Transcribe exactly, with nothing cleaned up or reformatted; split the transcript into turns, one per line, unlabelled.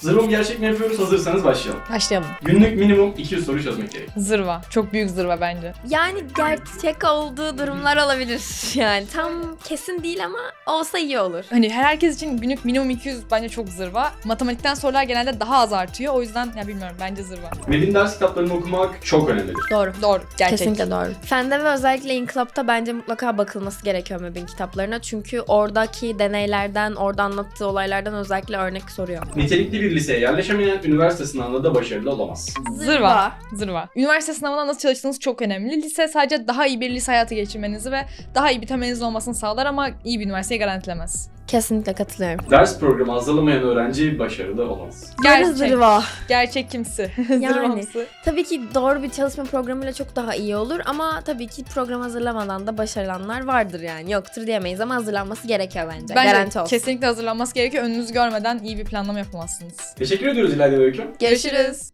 Zırva mı gerçek mi yapıyoruz? Hazırsanız başlayalım.
Başlayalım.
Günlük minimum iki yüz soru çözmek gerek.
Zırva. Çok büyük zırva bence.
Yani gerçek olduğu durumlar olabilir yani. Tam kesin değil ama olsa iyi olur.
Hani herkes için günlük minimum iki yüz bence çok zırva. Matematikten sorular genelde daha az artıyor. O yüzden ya bilmiyorum, bence zırva.
Medin ders kitaplarını okumak çok önemlidir.
Doğru.
Doğru. Gerçek.
Kesinlikle doğru. Fende ve özellikle İnkılap'ta bence mutlaka bakılması gerekiyor Mab'in kitaplarına. Çünkü oradaki deneylerden, orada anlattığı olaylardan özellikle örnek soruyor.
Nitelikli bir liseye yerleşemeyen üniversite sınavında da başarılı olamaz.
Zırva. Zırva. Üniversite sınavına nasıl çalıştığınız çok önemli. Lise sadece daha iyi bir lise hayatı geçirmenizi ve daha iyi bir temelinizin olmasını sağlar ama iyi bir üniversiteyi garantilemez.
Kesinlikle katılıyorum.
Ders programı hazırlamayan öğrenci başarılı olamaz.
Gerçek. Zırva.
Gerçek kimsi.
Yani.
Zırvamsı.
Tabii ki doğru bir çalışma programıyla çok daha iyi olur ama tabii ki program hazırlamadan da başarılanlar vardır yani. Yoktur diyemeyiz ama hazırlanması gerekiyor bence.
Bence
Garanti olsun.
kesinlikle hazırlanması gerekiyor. Önünüzü görmeden iyi bir planlama yapamazsınız.
Teşekkür ediyoruz İlayda ve Öykü.
Görüşürüz.